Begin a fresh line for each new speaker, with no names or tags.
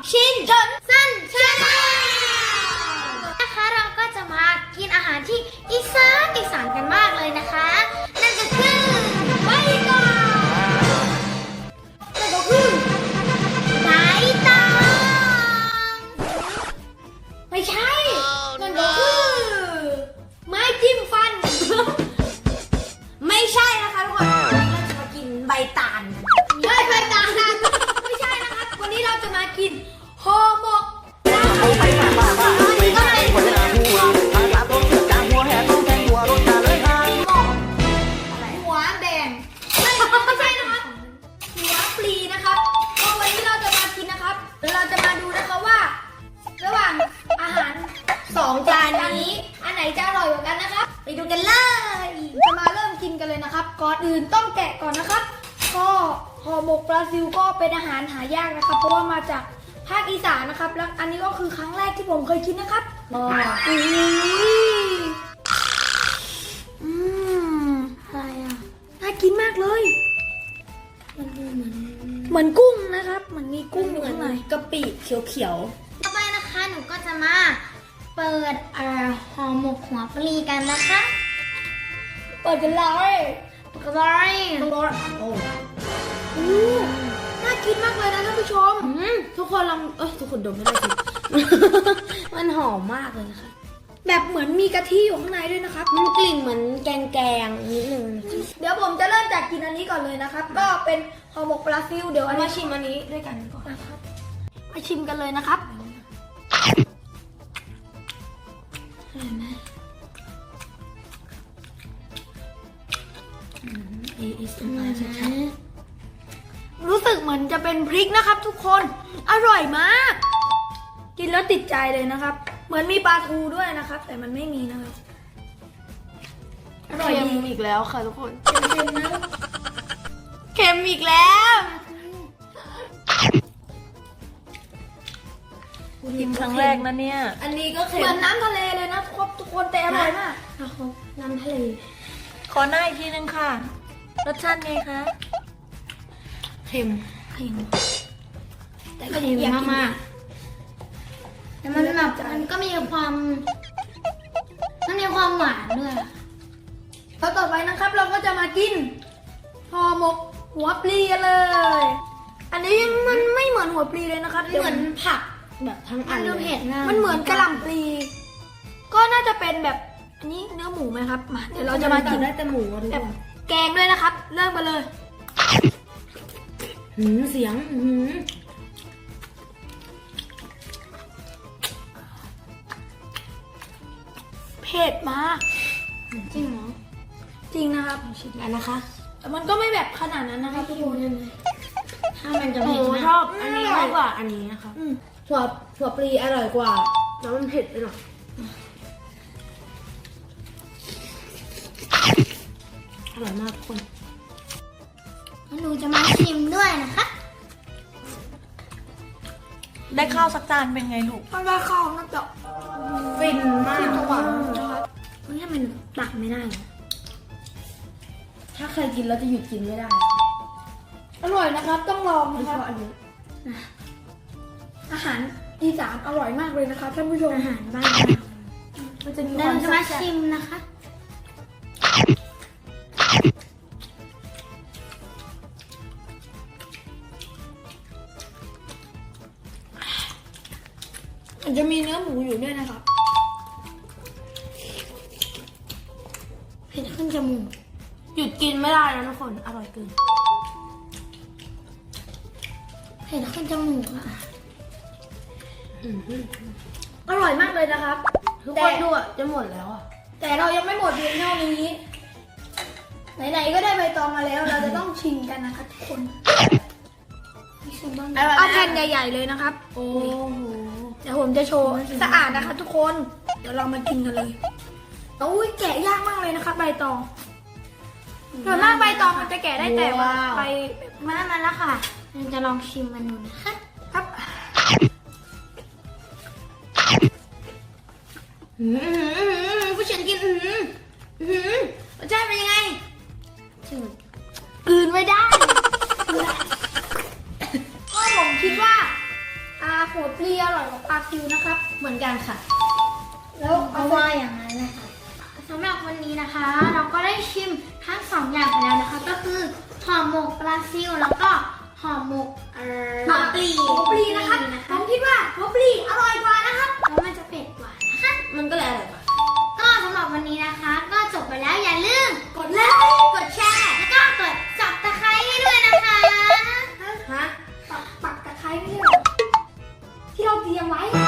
ชินจนสั้นชาแนลนะคะเราก็จะมากินอาหารที่อีสานกันมากเลยนะคะ นั่นก็คือใบตองนั่นก็คือใบตองไม่ใช่นั่นก็คือไม้จิ้มฟัน ไม่ใช่นะคะทุกคนวันนี้เราจะมากินใบตาลใบตาลไม่ใช่นะคะวันนี้เราจะมากินห่อหมกก็เป็นหัวแดงไม่ใช่นะครับหัวปลีนะครับก็วันนี้เราจะมากินนะครับเราจะมาดูนะคะว่า ระหว่างอาหาร2 จานนี้อันไหนจะอร่อยกว่ากันนะครับไปดูกันเลยจะมาเริ่มกินกันเลยนะครับก่อนอื่นต้องแกะก่อนนะครับก็ห่อหมกปลาซิวก็เป็นอาหารหายากนะครับเพราะว่ามาจากภาคอีสานนะครับแล้วอันนี้ก็คือครั้งแรกที่ผมเคยกินนะครับอะไรอ่ะน่ากินมากเลยมันดูเหมือนกุ้งนะครับเหมือนมีกุ้งอยู่ข้างในกะปิเขียวๆต่อไปนะคะหนูก็จะมาเปิดห่อหมกหัวปลีกันนะคะเปิดกันเลยโอ้น่ากินมากเลยนะท่านผู้ชมทุกคนลองทุกคนดมไม่ได้สิ มันหอมมากเลยนะคะแบบเหมือนมีกะทิอยู่ข้างในด้วยนะครับมันกลิ่นเหมือนแกงนิดนึงเดี๋ยวผมจะเริ่มจากกินอันนี้ก่อนเลยนะครับก็เป็นห่อหมกปลาซิวเดี๋ยวมาชิมอันนี้ด้วยกันก่อนนะครับมาชิมกันเลยนะครับอร่อยไหมรู้สึกเหมือนจะเป็นพริกนะครับทุกคนอร่อยมากกินแล้วติดใจเลยนะครับเหมือนมีปลาทูด้วยนะครับแต่มันไม่มีนะครับอร่อยดีอีกแล้วค่ะทุกคนเค็มนะเค็มอีกแล้ว
กินครั้งแรกนะเนี่ย
อันนี้ก็เค็มเหมือนน้ำทะเลเลยนะทุกคนแต่อร่อยมากน้ำทะเล
ขอหน้าอีกทีนึงค่ะรสชาติไงคะ
เค็มแต่ก็เค็มมากๆแต่มันแบบมันก็มีความหวานด้วยแล้วต่อไปนะครับเราก็จะมากินห่อหมกหัวปลีกันเลยอันนี้มันไม่เหมือนหัวปลีเลยนะครับเหมือนผักแบบทั้งอันเลยมันเหมือนกะหล่ำปลีก็น่าจะเป็นแบบอันนี้เนื้อหมูไหมครับมาเดี๋ยวเราจะมากินได้แต่หมูแบบแกงด้วยนะครับเริ่มกันเลยเสียงเผ็ดมากจริงเหรอจริงนะครับอันนะคะแต่มันก็ไม่แบบขนาดนั้นนะคะทุกคนถ้ามันจะเผ็ดชอบอันนี้มากกว่าอันนี้นะคะถั่วปลีอร่อยกว่าแล้วมันเผ็ดไปหน่อยอร่อยมากทุกคนหนูจะมาชิมด้วยนะคะ
ได้ข้าวสักจานเป็นไงลูก
ถ้าได้ข้าวน่าจะฟินมากทุกคนนะครับนี่มันตักไม่ได้ถ้าใครกินแล้วจะหยุดกินไม่ได้อร่อยนะครับต้องลองนะครับอันนี้อาหารอีสานอร่อยมากเลยนะคะท่านผู้ชมอาหารบ้านเราจะมีความจะมาชิมนะคะมันจะมีเนื้อหมูอยู่ด้วยนะครับเผ็ดขึ้นจมูกหยุดกินไม่ได้แล้วทุกคนอร่อยเกินเผ็ดขึ้นจมูกอ่ะอร่อยมากเลยนะครับทุกคนดูอ่ะจะหมดแล้วอ่ะแต่เรายังไม่หมดเพียงเท่านี้ไหนๆก็ได้ใบตองมาแล้วเราจะต้องชิมกันนะคะทุกคนเอาแผ่นใหญ่ๆเลยนะครับโอ้โหเดี๋ยวผมจะโชว์สะอาดนะคะทุกคนเดี๋ยวเรามากินกันเลยโอ้ยแกะยากมากเลยนะครับใบตองส่วนมากใบตองมันจะแกะได้แต่ว่าใบมาแล้วค่ะเราจะลองชิมมันดูนะคะครับผู้เชี่ยวกินรสชาติเป็นยังไงกลืนไม่ได้ก็ผมคิดว่า หัหัวปลีอร่อยกว่าปลาซิวนะครับ
เหมือนกันค่ะ
แล้วเอาว่าอย่างนั้นนะคะสำหรับวันนี้นะคะ เราก็ได้ชิมทั้ง2อย่างไปแล้วนะคะ ก็คือห่อหมกปลาซิวแล้วก็ห่อหมกหัวปลีนะครับผมคิดว่าหัวปลีอร่อยกว่านะครับแล้วมันจะเผ็ดกว่านะคะ
มันก็เลยอร่อยกว่า
ก็สำหรับวันนี้นะคะ ก็จบไปแล้วอย่าลืมกดไลค์กดแชร์แล้วก็กดจับตะไคร้ให้ด้วยนะคะ
ฮะ
ปักตะไคร้ไม่ใช่เหรอที่เราเตรียมไว้